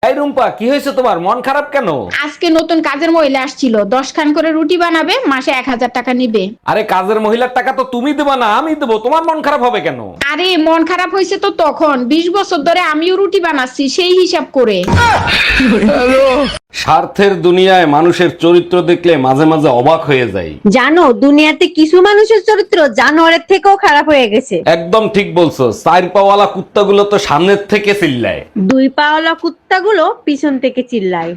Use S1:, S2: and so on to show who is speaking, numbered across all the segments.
S1: এই রুম্পা, কি হয়েছে তোমার? মন খারাপ কেন?
S2: আজকে নতুন কাজের মহিলা আসছিল, 10 খান করে রুটি বানাবে, মাসে 1000 টাকা নিবে।
S1: আরে কাজের মহিলার টাকা তো তুমি দেবা না, আমি দেবো। তোমার মন খারাপ হবে কেন?
S2: আরে মন খারাপ হয়েছে তো তখন, 20 বছর ধরে আমিও রুটি বানাচ্ছি সেই হিসাব করে।
S1: স্বার্থের দুনিয়ায় মানুষের চরিত্র দেখলে মাঝে মাঝে অবাক হয়ে যাই।
S3: জানো দুনিয়াতে কিছু মানুষের চরিত্র জানোয়ারের থেকেও খারাপ হয়ে গেছে।
S1: একদম ঠিক বলছো। চার পাওয়ালা কুত্তাগুলো তো সামনের থেকে চিল্লায়।
S3: 2 পাওয়ালা কুত্তাগুলো পিছন থেকে চিল্লায়।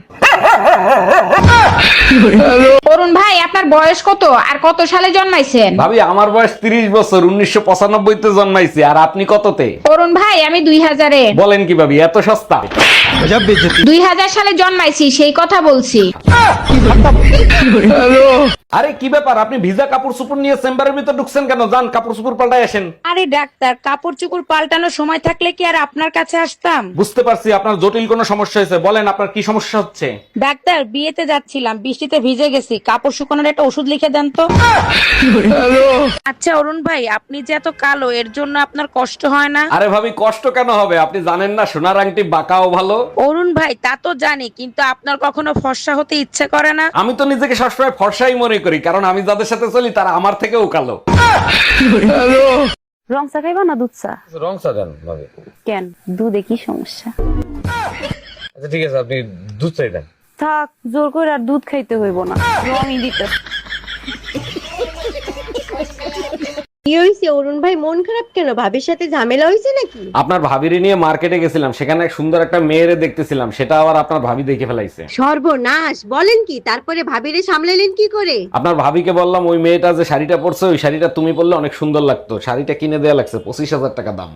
S2: অরুণ ভাই, আপনার বয়স কত আর কত সালে জন্মাইছেন?
S1: ভাবি, আমার বয়স 30 বছর, 1995 তে জন্মাইছি। আর আপনি কততে?
S2: অরুণ ভাই, আমি 2000-এ।
S1: বলেন কি ভাবি, এত সস্তা?
S2: 2000 সালে জন্মাইছি, সেই কথা বলছি।
S1: আরে কি ব্যাপার, আপনি ভিজা কাপড় চোপড় নিয়ে চেম্বারের ভিতর ঢুকছেন কেন? যান কাপড় চোপড় পাল্টাই আসেন।
S4: আরে ডাক্তার, কাপড় চোপড় পাল্টানোর সময় থাকলে কি আর আপনার কাছে আসতাম?
S1: বুঝতে পারছি আপনার জটিল কোনো সমস্যা হয়েছে। বলেন আপনার কি সমস্যা হচ্ছে?
S4: ডাক্তার, বিয়েতে যাচ্ছিলাম, বৃষ্টিতে ভিজে গেছি, কাপড় শুকানোর একটা ওষুধ লিখে দেন তো। আচ্ছা অরুণ ভাই, আপনি যে এত কালো, এর জন্য আপনার কষ্ট হয় না?
S1: আরে ভাবি, কষ্ট কেন হবে? আপনি জানেন না সোনার আংটি বাঁকাও ভালো?
S4: অরুণ ভাই, তা তো জানি, কিন্তু আপনার কখনো ফর্সা হতে ইচ্ছে করে না?
S1: আমি তো নিজেকে সবসময় ফর্সাই মনে করি, কারণ আমি যাদের সাথে চলি তারা আমার থেকেও কালো।
S3: রং চা খাইবা না দুধ চা?
S1: রং চা দেন ভাবি।
S3: কেন, দুধে কি সমস্যা?
S1: আচ্ছা ঠিক আছে, আপনি দুধ চাই দেন।
S3: থাক, জোর করে আর দুধ খাইতে হইব না, রঙই দিতে। কি হইছে অরুণ ভাই, মন খারাপ কেন? ভাবির সাথে ঝামেলা হইছে নাকি?
S1: আপনার ভাবিরে নিয়ে মার্কেটে গেছিলাম, সেখানে এক সুন্দর একটা মেয়েরে দেখতেছিলাম, সেটা আবার আপনার ভাবি দেখে ফেলাইছে।
S3: সর্বনাশ, বলেন কি? তারপরে ভাবিরে সামলাইলেন কি করে?
S1: আপনার ভাবিকে বললাম ওই মেয়েটা যে শাড়িটা পরছে, ওই শাড়িটা তুমি পরলে অনেক সুন্দর লাগতো। শাড়িটা কিনে দেয়া লাগছে 25,000 টাকা দাম।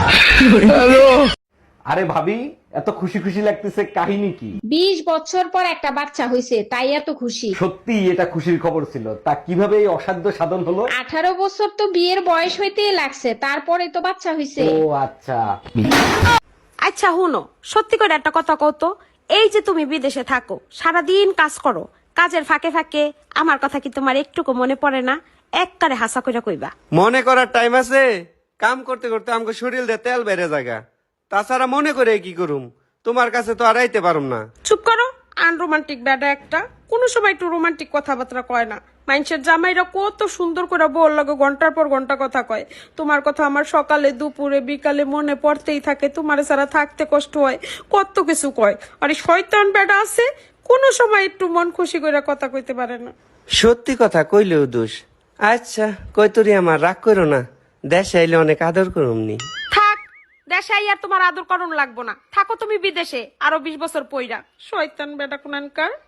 S1: আরে ভাবি, এত খুশি খুশি লাগতেছে, কাহিনী কি?
S2: 20 বছর পর একটা বাচ্চা হইছে, তাই এত খুশি।
S1: সত্যি এটা খুশির খবর ছিল। তা কিভাবে এই অসাধ্য সাধন হলো?
S2: 18 বছর তো বিয়ের বয়স হইতেই লাগছে, তারপরে তো বাচ্চা হইছে।
S1: ও আচ্ছা।
S4: আচ্ছা হুনো, সত্যি করে একটা কথা কও তো, এই যে তুমি বিদেশে থাকো, সারাদিন কাজ করো, কাজের ফাঁকে ফাঁকে আমার কথা কি তোমার একটুকু মনে পড়ে না? একবারে হাসা কইরা কইবা।
S5: মনে করার টাইম আছে? কাম করতে করতে আমাকে শরীর দিয়ে তেল বেড়ে জায়গা। তাছাড়া মনে করে কি করুম? তোমার কাছে তো আর আইতে পারুম না।
S4: চুপ করো, আনরোমান্টিক ব্যাডা একটা। কোন সময় একটু রোমান্টিক কথাবার্তা কয় না। মানুষের জামাইরা কত সুন্দর করে বল লাগে, ঘন্টার পর ঘন্টা কথা কয়। তোমার কথা আমার সকালে দুপুরে বিকালে মনে পড়তেই থাকে, তোমার ছাড়া থাকতে কষ্ট হয়, কত কিছু কয়। আর এই শয়তান ব্যাডা আছে, কোন সময় একটু মন খুশি করে কথা কইতে পারে না।
S5: সত্যি কথা কইলেও দোষ। আচ্ছা কই তোরি, আমার রাগ করো না, দেশে আইলে অনেক আদর করুমনি।
S4: থাক, দেশে আর তোমার আদর করণ লাগবো না, থাকো তুমি বিদেশে আরো 20 বছর পইরা। শয়তান ব্যাডা কোনানকার।